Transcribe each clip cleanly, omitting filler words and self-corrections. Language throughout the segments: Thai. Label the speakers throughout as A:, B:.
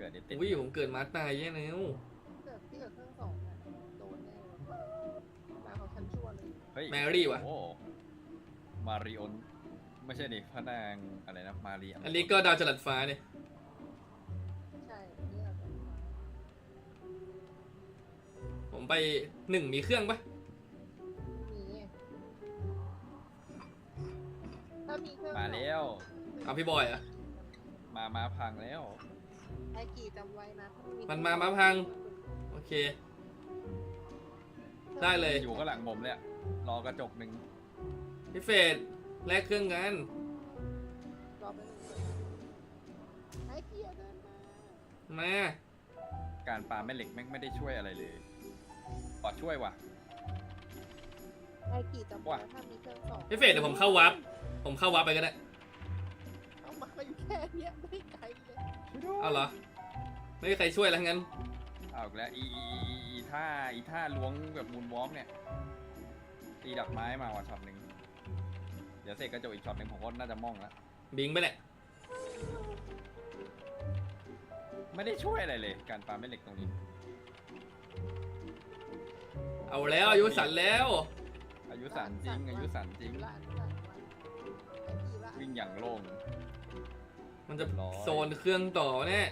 A: กิดติด
B: อุ้ยผมเกิดมาตายแย่แล้ว
C: เกิดที่เกิดเครื่องสองอะโดนแน่มาเขาชั้นชั่วเลย
A: เฮ้ย
B: แมรี่ว่ะ
A: โอ้มาริโอนไม่ใช่ดิพระนางอะไรนะมารี
B: อันนี้ก็ดาวจรัสฟ้าเนี่ย
C: ใช่นี่เราจะมา
B: ผมไป1มีเครื่องปะ
C: มีถ้ามีเครื่อง
A: มาแล้ว
B: เอาพี่บอยอะ
A: มาพังแล้ว
C: ไอกี่จำไว้นะถ้าไ
B: มันมาพัง โอเค ได้เลย
A: อยู่ข้างหลังผมเลยอะรอกระจกหนึ่ง
B: พี่เฟดแลกเครื่องกัน
C: รอไปหนึ่งไอเกียเดินมา
B: มา
A: การปาแม่เหล็กแม่งไม่ได้ช่วยอะไรเลยปอดช่วยว่ะ
C: ไอกี่จำไว้ถ้ามีเครื่องสอง
B: พี่เฟดเดี๋ยวผมเข้าวับผมเข้าวับไปก็ได้
C: เอามาอยู่แค่เนี้ยไม่ไกลเลย
B: เอาเหรอ ไม่มีใครช่วยแล้วงั้น
A: เอาอีกแล้วอีท่าล้วงแบบมูนวอล์กเนี่ยตีดักไม้มาว่ะช็อตหนึ่งเดี๋ยวเสกกระจกอีกช็อตหนึ่งผมก็น่าจะมองแล้ว
B: บิงไปแหละ
A: ไม่ได้ช่วยอะไรเลย การปาแม่เหล็กตรงนี้
B: เอาแล้วอายุสันแล้ว
A: อายุสันจริงอายุสันจริง
C: ละไอกี่ละ
A: วิ่งอย่างโล่ง
B: มันจะ
A: ร้อย
B: โซนเครื่องต่อแน่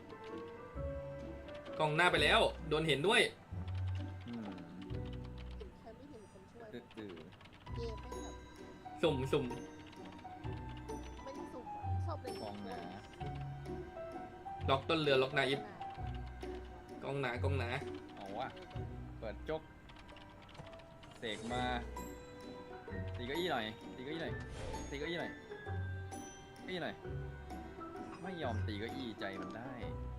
B: กล้องหน้าไปแล้ว โดนเห็นด้วย
A: อืม
C: เห็นใครไม่เห็นคนช่วย
A: ตื้อ
C: เกมไม่แบบ
B: สุ่ม
C: ไม่ได้สุ่มอะชอบเล่น
A: ๆกองหนา
B: ล็อกต้นเรือล็อกนาอิฟกล้องหนากล้องหนา
A: เอาวะเปิดจกเสกมาตีเก้าอี้หน่อยตีเก้าอี้หน่อยตีเก้าอี้หน่อยเก้าอี้หน่อยไม่ยอมตีเก้าอี้ใจมันได้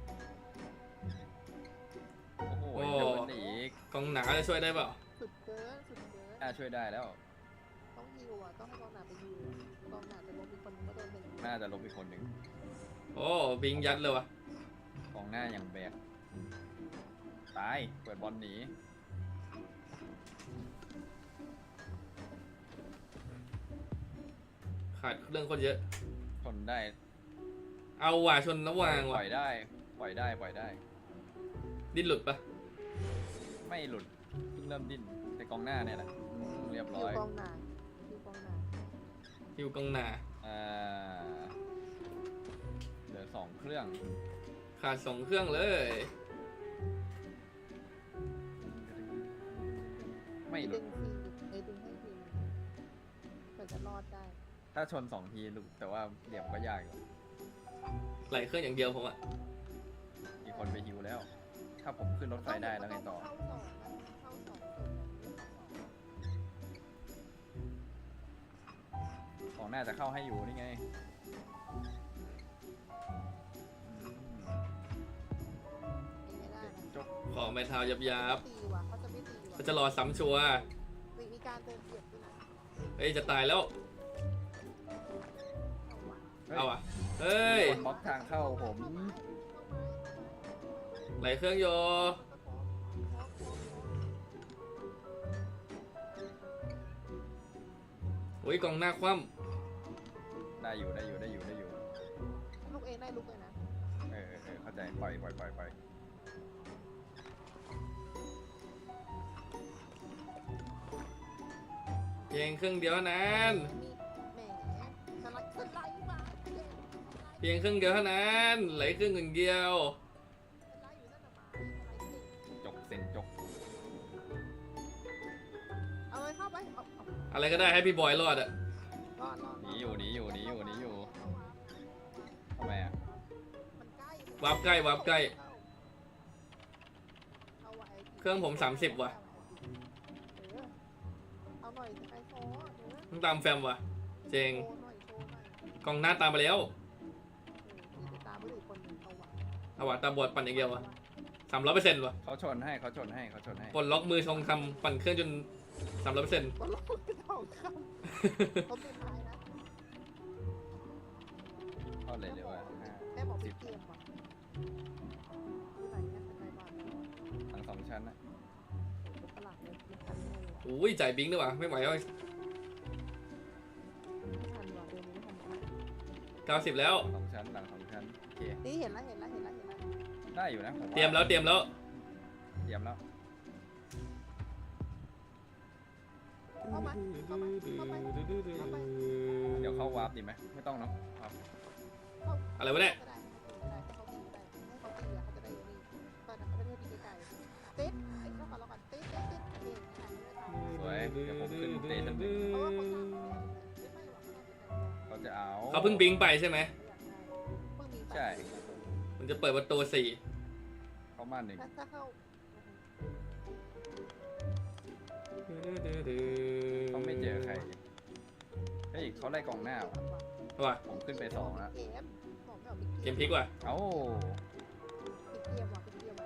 A: โอ้โหโดนอีก
B: กล้องหนาจะช่วยได้เปล่า
C: สุดเกินสุดเกิน
A: น่าช่วยได้แล้ว
C: ต้องฮิวอ่ะต้องให้กองหนาไปฮิวกองหนาจะลงมีคนนึงก็โดนเป็น
A: น่าจะลบอีกคนหนึ่ง
B: โอ้บิงยัดเลยวะ
A: กองหน้าอย่างแบกตายเปิดบอลหนี
B: ขาดเรื่องคนเยอะ
A: ทนได้
B: เอาว่ะชนระหว่าง
A: ป
B: ว่ะ
A: ล่อยได้ปล่อยได้ปล่อยได้
B: ดิ้นหลุดปะ
A: ไม่หลุดเพิ่งเริ่มดิ้นแต่กองหน้าเนี่ยแหละเรียบ
C: ฮิ
A: ร้
C: ว
A: อย
C: กองหนาฮิวกองหนา
B: ฮิวกล้องหนา
A: อ่าเหลือ2 เครื่อง
B: ขาด2 เครื่องเลย
A: ไม่หลุ
C: ดึ
A: ด
C: งทีดึงให้ทีเผื่อจะรอดได้
A: ถ้าชน2 ทีหลุดแต่ว่าเหลี่ยมก็ยากอยู่
B: ไหลเครื่องอย่างเดียวผมอะ
A: มีคนไปฮิวแล้ว ถ้าผมขึ้นรถไฟได้แล้วไงต่อ
C: เข้าสองนะเข้าสองสุด
A: ของหน้าจะเข้าให้อยู่นี่ไงอืม
C: ไม่ได้
A: เด็ก
C: นะ
A: จก
B: ขอไม้เท้ายับ
C: ตีว่ะเขาจะไม่ตีว่ะ
B: เขาจะรอซ้ำชัวร์
C: มีการเติมเกียรติด้วยนะ
B: เฮ้ยจะตายแล้ว
C: เอาว่ะ
B: เอาอ่ะเฮ้ย
A: มีคนบล็อกทางเข้าผม
B: ไหลเครื่องโยโอ้ยกองหน้าคว่
A: ได้อยู่ได้อยู่ได้อยู่ได้อยู่
C: ลูกเองได้ลูกเลยนะ
A: เข้าใจปล่อย
B: ำเพียงเครื่องเดียวเท่านั้น
C: มีแหมสไลด์มา
B: เพียงเครื่องเดียวเท่านั้นไหลเครื่องอย่างเดียว
C: สไลด์อยู่นั่นน่ะมาสไลด์เก่ง
A: จกเซ็นจก
C: เอาเลยเข้าไปเอา
B: อะไรก็ได้ให้พี่บอยรอดอะ
C: รอด
A: หนีอยู่ทำไมอ่ะ
C: มันใกล้
B: วับใกล้วับใกล้
C: เอาไว้
B: เครื่องผม30ว่ะ
C: เอาหน่อยไอโฟน
B: ต้องตามแฟมว่ะ เจง
C: โชว์หน่อย
B: กองหน้าตามไปแล้ว
C: ติดตามผู้หญิงคนหนึ่งเอาว่ะ
B: เอาว่ะตาบอดปั่นอย่างเดียวว่ะ300%ว่ะ
A: เขาชนให้
B: ปลดล็อกมือชงคำปั่นเครื่องจน300%
C: บอลลูนเป็นทองคำเขาเป็นท้ายนะ
A: เข้าเลยเลยว่า
C: แม่บอกเป็นเกมว่ะที่ไหนเนี่ยเป็นไรบ้าง
A: ทั้ง2 ชั้นนะ
C: เป็นตลาดเลยไม่ทันเลย
B: อุ้ยจ่ายบิงด้วยว่ะไม่ไหวแล้ว
C: ไม่ทันว่ะเดือนนี้ไม่ทันว่ะ
B: 90แล้ว
A: 2 ชั้นหลัง2 ชั้นโอเค
C: นี่เห็นแล้ว
A: ได้อยู่นะผว่า
B: เตรียมแล้ว
A: เตรียมแล้ว
C: เข้ามาเข้าไปเข้าไป
A: เดี๋ยวเข้าวาร์ปดีไหมไม่ต้องเนาะครับ
B: อะไรวะเนี่ย
C: ก็ได้ให้เขาตีก็ได้ให้เขาตีอ่ะเขาจะได้นี่ตอนนั้นเขาไม่ได้ตีไกลๆติ๊ดไอ้เจ้าของเราก่อนติ๊ดเอง
A: สวยเดี๋ยวผมขึ้นเตะทันที
C: เพราะว่าเขาสร้างไม่ไม่หรอก
A: เขาจะเอา
B: เขาเพิ่งบิงไปใช่ไหม
C: เพิ่งมี
A: ใช่
B: มันจะเปิดประตู4
A: เข้ามาหนึ่ง
C: ถ้าเข้า
A: เขาไม่เจอใครเฮ้ยเขาไล่กองหน้าว่ะ
B: ว่ะ
A: ผมขึ้นไป2แล้ว
C: เกมบอกไม่ออก
B: เกมพลิกว่ะ
A: เอ้า
C: ปิดเกมว่ะปิดเกมไว้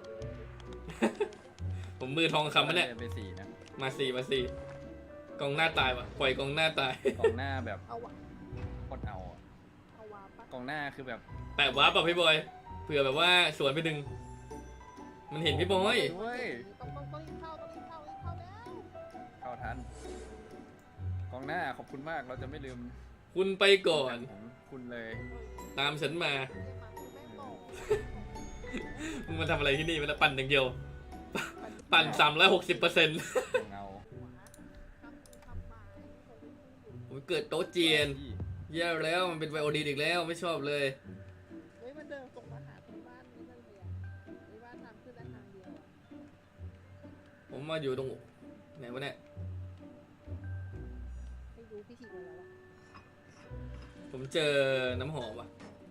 B: ผมมือทองคำมันเนี่ย
A: เดินไป4นะ
B: มาสี่กองหน้าตายว่ะปล่อยกองหน้าตาย
A: กองหน้าแบบ
C: เอาวะ
A: โคตรเอาอะ
C: เอาวะปะ
A: กองหน้าคือแบบ
B: แปะวาร์ปแบบพี่บอยเผื่อแบบว่าสวนไปดึง มันเห็นพี่บอย
A: ด้วย
C: ต้องรีบเข้าต้องรีบเข้ารีบเข้าแล้ว
A: เข้าทันกองหน้าขอบคุณมากเราจะไม่ลืม
B: คุณไปก่อน
A: ของคุณเลย
B: ตามฉันมา
C: เกมมาคุณแม่งบอก
B: มึงมาทำอะไรที่นี่มันจะปั่นอย่างเดียว ปั่น360%
A: เงา
C: ทำมา
B: ผมเกิดโต๊ะเจียนแย่แล้วมันเป็นไวโอดีนอีกแล้วไม่ชอบเลย
C: เฮ้ยมันเดินตรงมาหาตรงบ้านนี่นั่นเลยอ่ะไอ้บ้านทางขึ้นและทางเดียวอ่ะ
B: ผมมาอยู่ตรงไหนวะเนี่ย
C: ไม่รู้พี่ฉีดอะไรแล้วอ่ะ
B: ผมเจอน้ำหอมว่ะ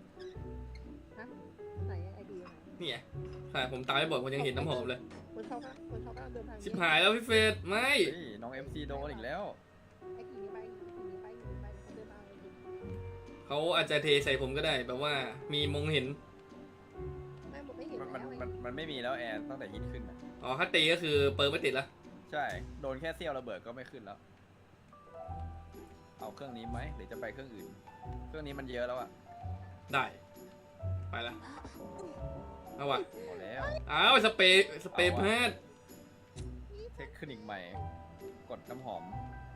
C: ไหนไอเดียไหน
B: นี่ไงใช่ผมตามไม่บ่อยผมยังเห็นน้ำหอมเลย
C: คนเขาบ้านเดินทาง
B: ชิบหายแล้วพี่เฟสไม่
A: เฮ้ยน้อง MC โดนอีกแล้ว
C: ไอ้ขี่นี้ไปเขาเดินมาเลย
B: เขาอาจจะเทใส่ผมก็ได้แบบว่ามีมงเห็น
C: แม่หมดไม่เห็น
A: มัน
C: แล้ว
A: มันไม่มีแล้วแอร์ตั้งแต่ฮิตขึ้นอะ
B: อ๋อถ้าตีก็คือเปิร์ไม่ติดละ
A: ใช่โดนแค่เสี้ยวระเบิดก็ไม่ขึ้นแล้ว เอาเครื่องนี้ไหมหรือจะไปเครื่องอื่น เครื่องนี้มันเยอะแล้วอะ
B: ได้ไปละเอาว่ะ
A: พอแล้ว
B: อ้าวสเปรย์แพทย์
A: เทคนิคใหม่ กดน้ำหอม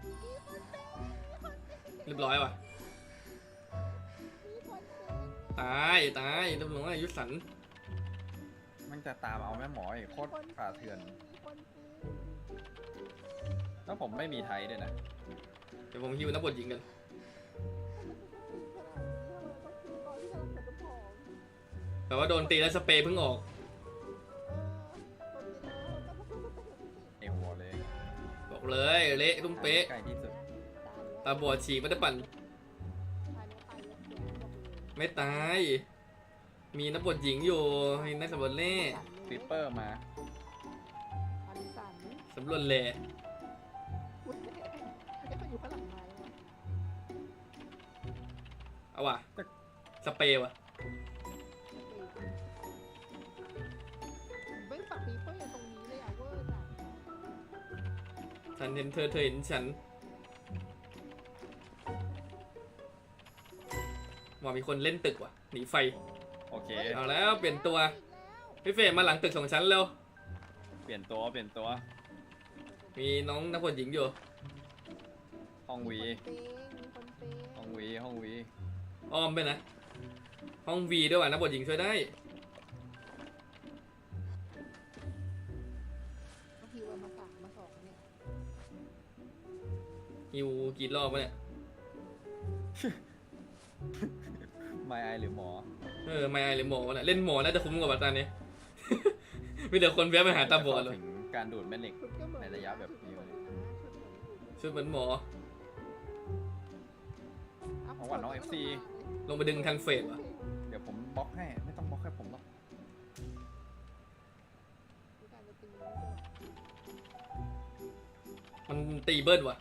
B: เรียบร้อยว่ะ
C: มีคนเดิน
B: ตายเรียบร้อยยุทธสัน
A: มันจะตามเอาแม่หมออีกโคตรป่าเถื่อน
C: มีคนซื้อ
A: แล้วผมไม่มีไทยด้วยนะ
B: เดี๋ยวผมฮิวนักบทหญิงกัน แต่ว่าโดนตีแล้วสเปรย์เพิ่งออก
A: ไอหัวเลย
B: บอกเลยเละตุ้มเป๊ะ
A: ใกล้ที่สุด
B: ตาบอดฉีกไม่ได้ปั่นไม่ตาย มีนักบทหญิงอยู่มีนักสำรวจเล่
A: คลิปเปอร์มา
B: สำรวจแหล่
C: อยู่ข้างหลังไม้
B: เอาว่ะสเปรย์ว่ะ
C: ไม่ฝักปีเป้ตรงนี้เลยอ่ะเวอร์จัด
B: ฉันเห็นเธอเห็นฉันว่ามีคนเล่นตึกว่ะหนีไฟ
A: โอเค
B: เอาแล้วเปลี่ยนตัวพี่เฟรมมาหลังตึกของฉันเร็ว
A: เปลี่ยนตัว
B: มีน้องนักบทหญิงอยู่
A: ห้องวี
C: มีคนเปย์
A: ห้องวี
B: อ้อมไปนะ ห้องวีด้วยว่ะนักบทหญิงช่วยได้
C: บางทีวันมา3มา2เนี่ย
B: ฮิวกี่รอบวะเนี่ย
A: ไมไอหรือหมอ
B: ไม่ไอหรือหมอวะเนี่ยเล่นหมอน่าจะคุ้มกว่าตอนนี้ มีแต่คนแวะไปหาตาบอดเลย
A: ถึงการดูดแม่เหล็ก ในระยะแบบนี้เลย
B: ชุดเหมือนหมอ
A: ของหวานน้อง FC
B: ลงไปดึงทันเฟสว่ะ
A: เดี๋ยวผมบล็อกให้ ไม่ต้องบล็อกให้ผมหรอก
B: มันตีเบิ้ลว่ะ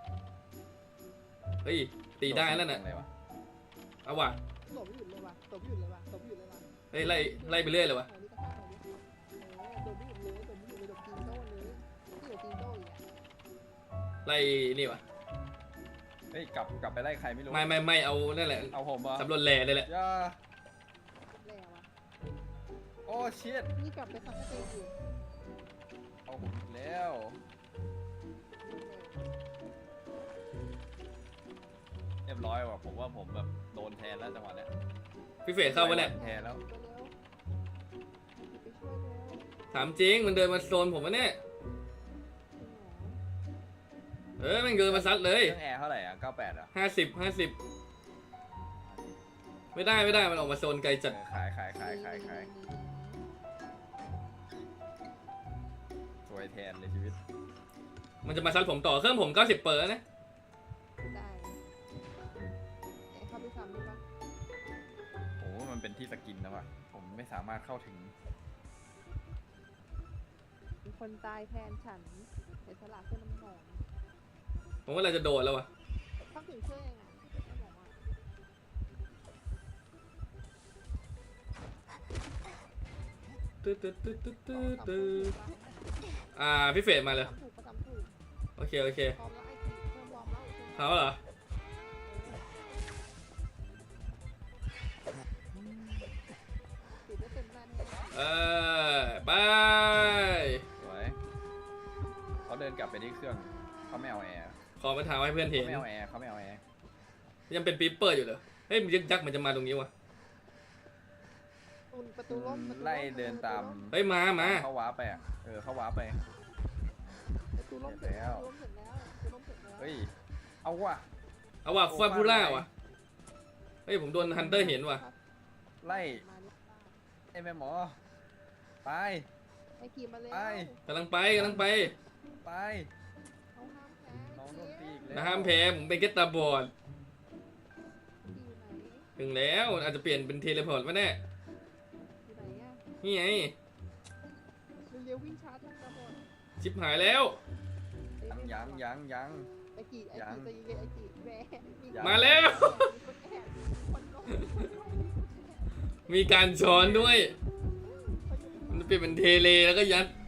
B: เฮ้ย ตีได้แล้วน่ะ
A: อะไรวะ
B: เอาว่ะ
C: ตบไม่หยุดเลยว่ะตบไม่หยุดเลยว่ะตบไม่หยุดเลยว่ะ
B: เฮ้ยไล่ไปเรื่อยเลยว่ะ
C: ตบไม่หยุดเลยตบไม่หยุดเลยตบจีนโต้เลยที่อยู่จีนโต้อีกอ่ะ
B: ไล่นี่ว่ะ
A: เฮ้ย กลับไปไล่ใครไม่รู้
B: ไม่เอานั่นแหละ
A: เอาผมเหรอ
B: สำรวจแหล่เลยแหละ
A: ย่า
C: แล้วอ่ะ
A: โอ้เชิด
C: นี่กลับไปซับสเตย์อยู่
A: เอาผมอีกแล้ว เรียบร้อยว่ะผมว่าผมแบบโดนแทนแล้วจังหวะเนี้ย
B: พี่เฟสเข้าไปเนี่ย
A: แทนแล้ว
C: ตัวเร็ว
B: ถามจริงมันเดินมาโซนผมวะเนี่ย
C: จริงเหรอ
B: มันเดินมาซัดเลย
A: เครื่องแอร์เท่าไหร่อ่ะ98อ่ะ
B: 50ไม่ได้มันออกมาโซนไกลจัด
A: ขายสวยแทนเลยชีวิต
B: มันจะมาซัดผมต่อเครื่องผม90%แล้วนะ
C: ได้เข้าไปซ้ำได้ปะ
A: โอ้มันเป็นที่สกินนะว่ะผมไม่สามารถเข้าถึง
C: มีคนตายแทนฉันเสียสละเพื่อน้ำหอม
B: ผมว่าเราจะโดดแล้ววะ
C: เข้าถึงเครื่องยังไงไม่บอกว่า
B: ตื้อ
C: สองสามถูกปะ
B: พี่เฟรดมาเลย
C: สามถูกประจำถูก
B: โอเค
C: พร้อมแล้วไอ้ทีเริ่มวอร์มแล้ว
B: เขาเหรอ
C: ติดได้เต็มหน้าแน่
B: ไป
A: สวยเขาเดินกลับไปที่เครื่องเขาไม่เอาแอร์
B: ขอมาถามให้เพื่อนเห็
A: เขา
B: น
A: ไม่เอาแอร์เขาไม่เอาแอร์
B: ยังเป็นปีเปอร์อยู่เหรอเฮ้ยมันยักษ์มันจะมาตรงนี้วะ
C: ประตูล่มประตูล่ม
A: ไล่เดินตาม
B: เฮ้ยมา
A: เขาว้าร์ปไปอ่ะเขาว้าร์ปไป
C: ประตูล่มเสร็จแล้วประตูล่มเสร็จแล้วประตูล่มเสร็จแล้ว
A: เฮ้ยเอาว่ะ
B: เอาว่ะฟาบูล่าวะเฮ้ยผมโดนฮันเตอร์เห็นว่ะ
A: ไล่
C: มาแล้ว
A: ไอ้แม่หมอไป
C: ไอ้ขี่มาแล้ว
A: ไป
B: กำลังไป
A: ไป
C: เอาห้ามแพ้
A: น้องโดนตีอีกแล้ว
B: นะห้ามแพ้ผมเป็นแค่ตาบอด
C: ขี่อยู่ไหน
B: ถึงแล้วอาจจะเปลี่ยนเป็นเทเลพอร์ตมาแน่
C: อยู่ไหนอะ
B: นี่ไง
C: เร็วๆวิ่งชาร์จทั้งกระบอก
B: ชิบหายแล้ว
A: ยัง
C: ไอ้ขี่ไอ้ขี่ตีเลยไอ้ขี่แหว
A: ยัง
B: มาแล้ว
C: คนแอบคนลง
B: มีการช้อนด้วย มันเปลี่ยนเป็นเทเลแล้วก็ยัด